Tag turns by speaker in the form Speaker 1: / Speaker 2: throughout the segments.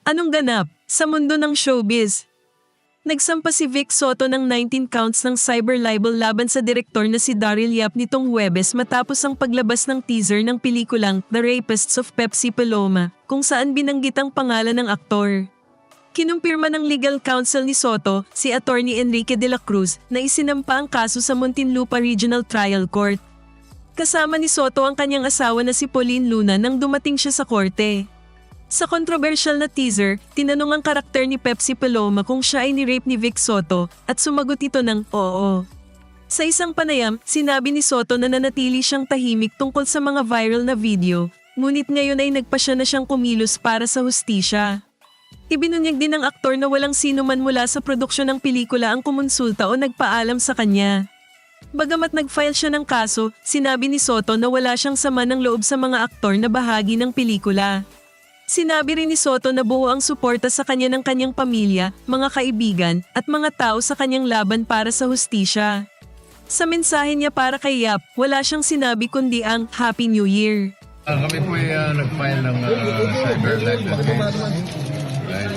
Speaker 1: Anong ganap sa mundo ng showbiz? Nagsampa si Vic Soto ng 19 counts ng cyber libel laban sa direktor na si Daryl Yap nitong Huwebes matapos ang paglabas ng teaser ng pelikulang The Rapists of Pepsi Paloma, kung saan binanggit ang pangalan ng aktor. Kinumpirma ng legal counsel ni Soto, si Attorney Enrique de la Cruz, na isinampa ang kaso sa Muntinlupa Regional Trial Court. Kasama ni Soto ang kanyang asawa na si Pauline Luna nang dumating siya sa korte. Sa controversial na teaser, tinanong ang karakter ni Pepsi Paloma kung siya ay ni-rape ni Vic Soto at sumagot ito ng oo. Sa isang panayam, sinabi ni Soto na nanatili siyang tahimik tungkol sa mga viral na video, ngunit ngayon ay nagpasya na siyang kumilos para sa hustisya. Ibinunyag din ng aktor na walang sino man mula sa produksyon ng pelikula ang kumonsulta o nagpaalam sa kanya. Bagamat nag-file siya ng kaso, sinabi ni Soto na wala siyang sama ng loob sa mga aktor na bahagi ng pelikula. Sinabi rin ni Soto na buo ang suporta sa kanya ng kanyang pamilya, mga kaibigan, at mga tao sa kanyang laban para sa hustisya. Sa mensahe niya para kay Yap, wala siyang sinabi kundi ang Happy New Year.
Speaker 2: Kami po ay nag-file ng cyber libel case. Dahil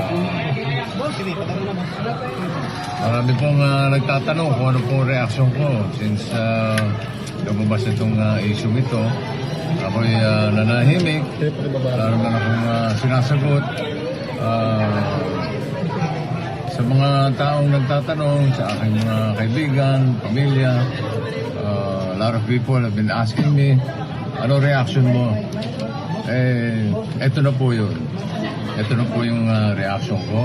Speaker 2: marami pong nagtatanong kung ano pong reaksyon ko since lumabas itong issue ito. Ako'y nanahimik, wala naman akong sinasagot. Sa mga taong nagtatanong, sa aking mga kaibigan, pamilya, a lot of people have been asking me, ano reaction mo? Ito na po yun. Ito na po yung reaction ko.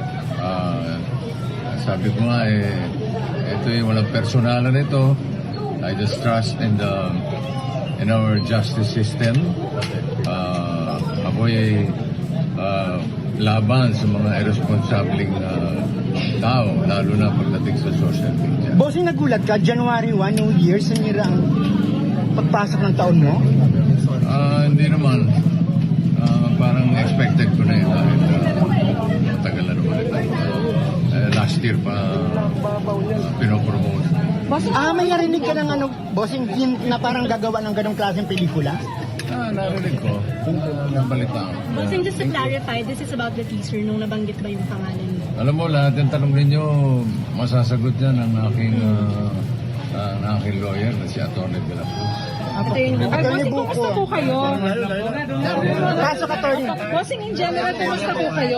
Speaker 2: Sabi ko nga, ito yung walang personalan ito. I just trust in our justice system. Ako'y laban sa mga irresponsibleng tao, lalo na pagdating sa social media.
Speaker 3: Bossing, nagulat ka, January 1, New Year, sinira ang pagpasok ng taon mo?
Speaker 2: Hindi naman. Parang expected ko na yun dahil matagal na naman ito. Last year pa pinopromote.
Speaker 3: Boss, may narinig ka ng bossing, na parang gagawa ng ganong klaseng pelikula?
Speaker 2: Narinig ko. Nabalita ko.
Speaker 4: Bossing, just to clarify, this is about the teaser nung nabanggit ba yung pangalan mo?
Speaker 2: Alam mo, lahat yung tanong ninyo, masasagot yan ng aking lawyer na si Atty. de la Cruz.
Speaker 4: Bossing, kumusta po kayo?
Speaker 3: Pasok, attorney.
Speaker 4: Bossing, in general, kumusta po kayo?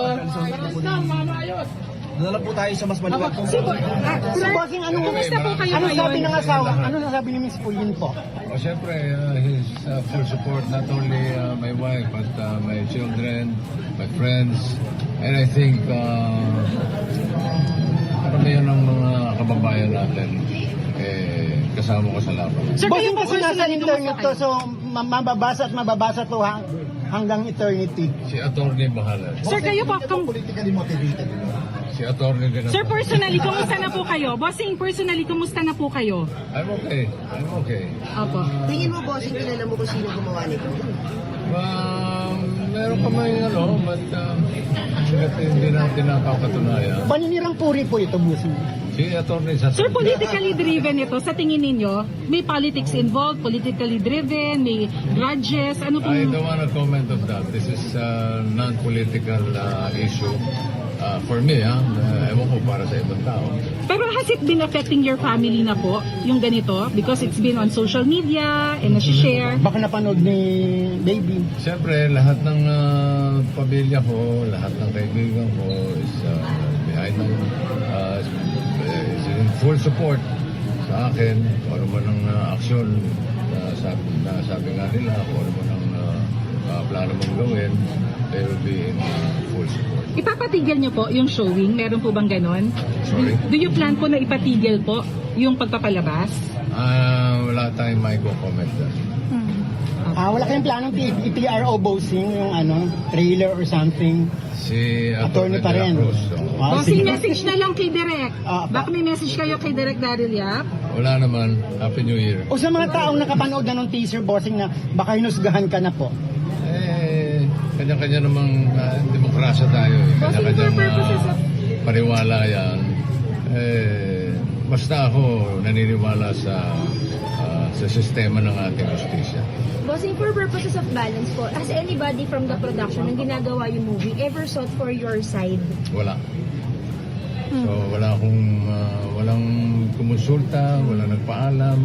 Speaker 5: Dala po tayo sa mas maluwag.
Speaker 3: So, bossing,
Speaker 4: Kumusta po kayo
Speaker 3: ano sabi
Speaker 4: ngayon?
Speaker 3: ng asawa? Ano nasabi ni Miss Pauline po?
Speaker 2: Siyempre, his full support, not only my wife, but my children, my friends, and I think karamihan ng mga kababayan natin kasama ko sa laban.
Speaker 4: Sir, kayo
Speaker 3: Bossing,
Speaker 4: po
Speaker 3: kasi nasa
Speaker 4: personally,
Speaker 3: internet
Speaker 4: kumusta
Speaker 3: to, so mababasa to hanggang eternity.
Speaker 2: Si Atty. bahala.
Speaker 4: Sir, kayo po,
Speaker 5: Politically motivated.
Speaker 2: Si Atty. de la
Speaker 4: Sir,
Speaker 2: Cruz.
Speaker 4: personally, kumusta na po kayo? Bossing, personally, kumusta na po kayo?
Speaker 2: I'm okay. I'm okay.
Speaker 4: Opo.
Speaker 6: Tingin mo, bossing, kilala mo kung sino gumawa nito?
Speaker 2: Meron pa may but hindi natin napapatunayan.
Speaker 3: Paninirang puri po ito, bossing.
Speaker 2: Si Atty. sa
Speaker 4: Sir, politically driven ito. Sa tingin ninyo, may politics involved, politically driven, may grudges, ano
Speaker 2: I
Speaker 4: pong...
Speaker 2: don't want to comment on that. This is a non-political issue. For me, ewan ko para sa ibang tao.
Speaker 4: Pero has it been affecting your family na po, yung ganito? Because it's been on social media and nasi-share.
Speaker 3: Baka napanood ni baby.
Speaker 2: Siyempre, lahat ng pamilya ko, lahat ng kaibigan ko is behind me. Is in full support sa akin. Kung ano man ang aksyon na sabi nga nila, kung ano man ang plano mong gawin, they will be in full support.
Speaker 4: Ipapatigil niyo po yung showing? Meron po bang ganon?
Speaker 2: Sorry?
Speaker 4: Do you plan po na ipatigil po yung pagpapalabas?
Speaker 2: Wala tayong may comment doon.
Speaker 3: Wala kayong planong i-PRO bossing, yung trailer or something?
Speaker 2: Si
Speaker 3: Attorney pa
Speaker 2: de la
Speaker 3: rin.
Speaker 2: Cruz,
Speaker 4: Bossing, message na lang kay Direk.
Speaker 3: Ah,
Speaker 4: Baka may message kayo kay Direk Daryl Yap?
Speaker 2: Wala naman. Happy New Year.
Speaker 3: O sa mga taong nakapanood na ng teaser, bossing, na baka hinusgahan ka na po.
Speaker 2: Kanya-kanya namang demokrasya tayo. Kanya-kanya paniwala yan. Basta ako naniniwala sa sistema ng ating justisya.
Speaker 7: Bossing, for purposes of balance po, has anybody from the production ng ginagawa yung movie ever sought for your side?
Speaker 2: Wala. So walang kumonsulta, walang nagpaalam.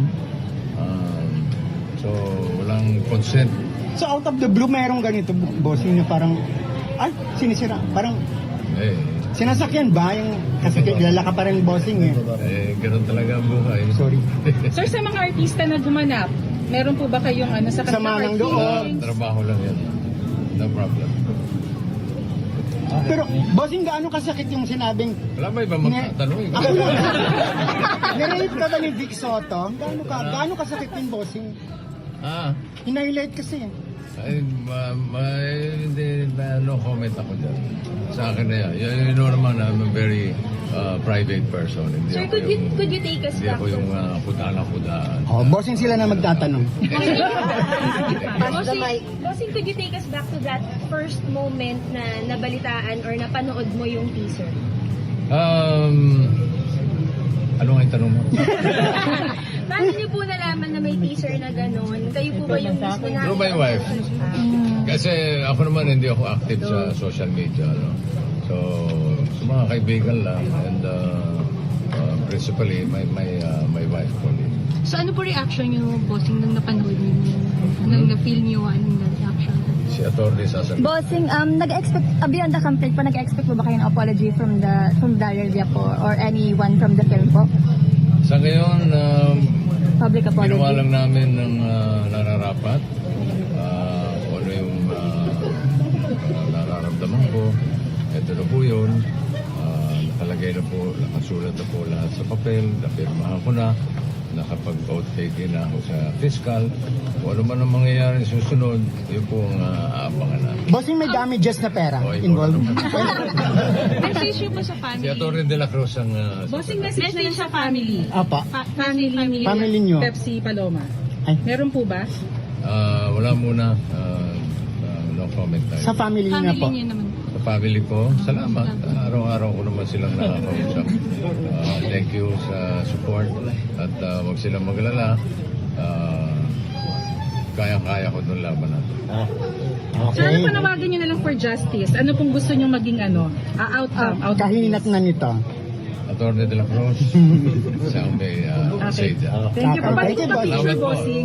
Speaker 2: So walang consent.
Speaker 3: So out of the blue, merong ganito, bossing, na parang, ay, sinisira. Parang,
Speaker 2: Eh,
Speaker 3: sinasakyan ba yung, kasi kilala ka pa rin bossing
Speaker 2: ganun talaga ang buhay.
Speaker 3: Sorry.
Speaker 4: Sir, sa mga artista na gumanap, meron po ba kayong sa
Speaker 3: Sama ng loob.
Speaker 2: Trabaho lang yan. No problem.
Speaker 3: Pero, bossing, gaano kasakit yung sinabing,
Speaker 2: Wala ba ibang magtatanong?
Speaker 3: ako muna, nirate ka ba ni Vic Soto? Gaano kasakit yung bossing? Hinighlight kasi.
Speaker 2: Hindi, no comment ako dyan. Sa akin na yan. You know naman, I'm a very private person. Hindi
Speaker 7: Sir,
Speaker 2: ako
Speaker 7: could you take us
Speaker 2: Hindi
Speaker 7: back
Speaker 2: ako
Speaker 7: to...
Speaker 2: yung kudaan.
Speaker 3: Oh, bossing sila na magtatanong.
Speaker 7: Bossing, could you take us back to that first moment na nabalitaan or napanood mo yung teaser?
Speaker 2: Ano nga yung tanong mo?
Speaker 7: Paano niyo po nalaman na may teaser na gano'n? Kayo po ba yung mismo na...
Speaker 2: Through my wife. Kasi ako naman hindi ako active sa social media. No? So, sa mga kaibigan lang. And principally, my wife po.
Speaker 8: So ano po reaction niyo, bossing, nung napanood niyo? Nung na-feel niyo, anong reaction?
Speaker 2: Si Atty. sasabihin.
Speaker 9: Bossing, nag-expect, beyond the conflict po, nag-expect po ba kayo ng apology from Daryl Yap po or anyone from the film po?
Speaker 2: Sa ngayon,
Speaker 9: Public apology.
Speaker 2: ginawa lang namin ng nararapat. Kung ano yung nararamdaman ko. Ito na po yun. Nakalagay na po, nakasulat na po lahat sa papel. Napirmahan ko na. Nakapag-vote taking na ako sa fiscal. Kung ano man ang mangyayari susunod, yun po ang aabangan natin.
Speaker 3: Bossing, may damages na pera
Speaker 2: Okay,
Speaker 3: involved.
Speaker 4: Message niyo po sa
Speaker 2: Si
Speaker 4: family.
Speaker 2: Atty. De La Cruz ang...
Speaker 4: Bossing, message na lang sa family.
Speaker 3: Apa. Family niyo.
Speaker 4: Pepsi Paloma.
Speaker 3: Ay.
Speaker 4: Meron po ba?
Speaker 2: Wala muna. No comment tayo.
Speaker 3: Sa family niyo po.
Speaker 8: Family niyo naman.
Speaker 2: Sa family ko, salamat. Araw-araw ko naman silang nakakausap. Thank you sa support. At wag silang maglala. Kaya-kaya ko itong laban natin.
Speaker 4: Sir, ano
Speaker 3: Okay.
Speaker 4: panawagan niyo na lang for justice? Ano pong gusto niyo maging outcome?
Speaker 3: Kahinat na nito.
Speaker 2: Atty. De La Cruz, siya ang may say dyan.
Speaker 4: Thank you po. Balik
Speaker 3: Thank you,
Speaker 4: po picture,
Speaker 2: Salamat po.
Speaker 4: bossing.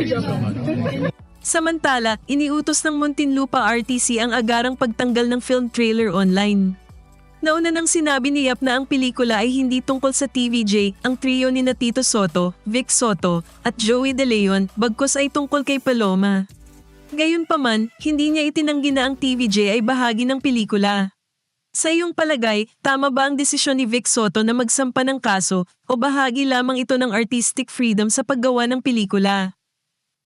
Speaker 1: Samantala, iniutos ng Muntinlupa RTC ang agarang pagtanggal ng film trailer online. Nauna nang sinabi ni Yap na ang pelikula ay hindi tungkol sa TVJ, ang trio ni Tito Soto, Vic Soto, at Joey De Leon, bagkus ay tungkol kay Paloma. Gayunpaman, hindi niya itinanggi na ang TVJ ay bahagi ng pelikula. Sa iyong palagay, tama ba ang desisyon ni Vic Soto na magsampa ng kaso o bahagi lamang ito ng artistic freedom sa paggawa ng pelikula?